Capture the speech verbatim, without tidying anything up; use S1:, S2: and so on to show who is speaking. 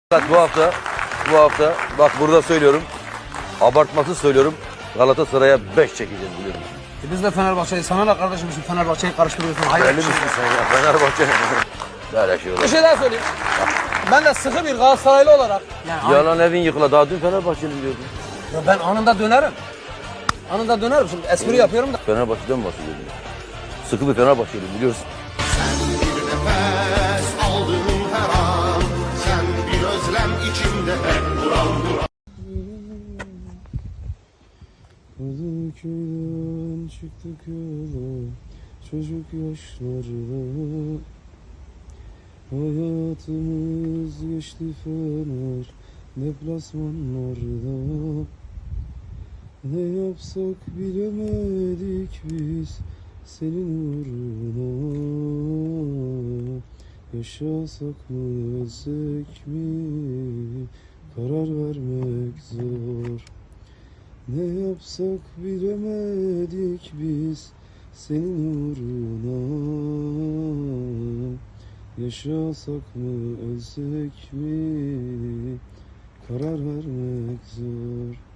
S1: Bu hafta, bu hafta bak burada söylüyorum, abartmasız söylüyorum, Galatasaray'a beş çekeceğiz biliyorum.
S2: E biz de Fenerbahçe'yi, sana da kardeşim şimdi Fenerbahçe'yi karıştırıyorsun. Hayır.
S1: Belli misin sen ya Fenerbahçe? Böyle şey olur.
S2: Bir şey daha söyleyeyim. Ben de sıkı bir Galatasaraylı olarak. Yani
S1: Yalan evin yıkıla, daha dün Fenerbahçeli diyordun.
S2: Ya ben anında dönerim. Anında dönerim şimdi espri yapıyorum da.
S1: Fenerbahçe'den mi bahsediyorsun? Sıkı bir Fenerbahçeli biliyorsun.
S3: Bir nefes aldığım her an, sen bir özlem içimde hep duran duran.
S4: Kadıköy'den çıktık yola, çocuk yaşlarda. Hayatımız geçti Fener deplasmanlarda. Ne yapsak bilemedik biz senin uğruna. Yaşasak mı ölsek mi karar vermek zor. Ne yapsak bilemedik biz senin uğruna. Yaşasak mı ölsek mi karar vermek zor.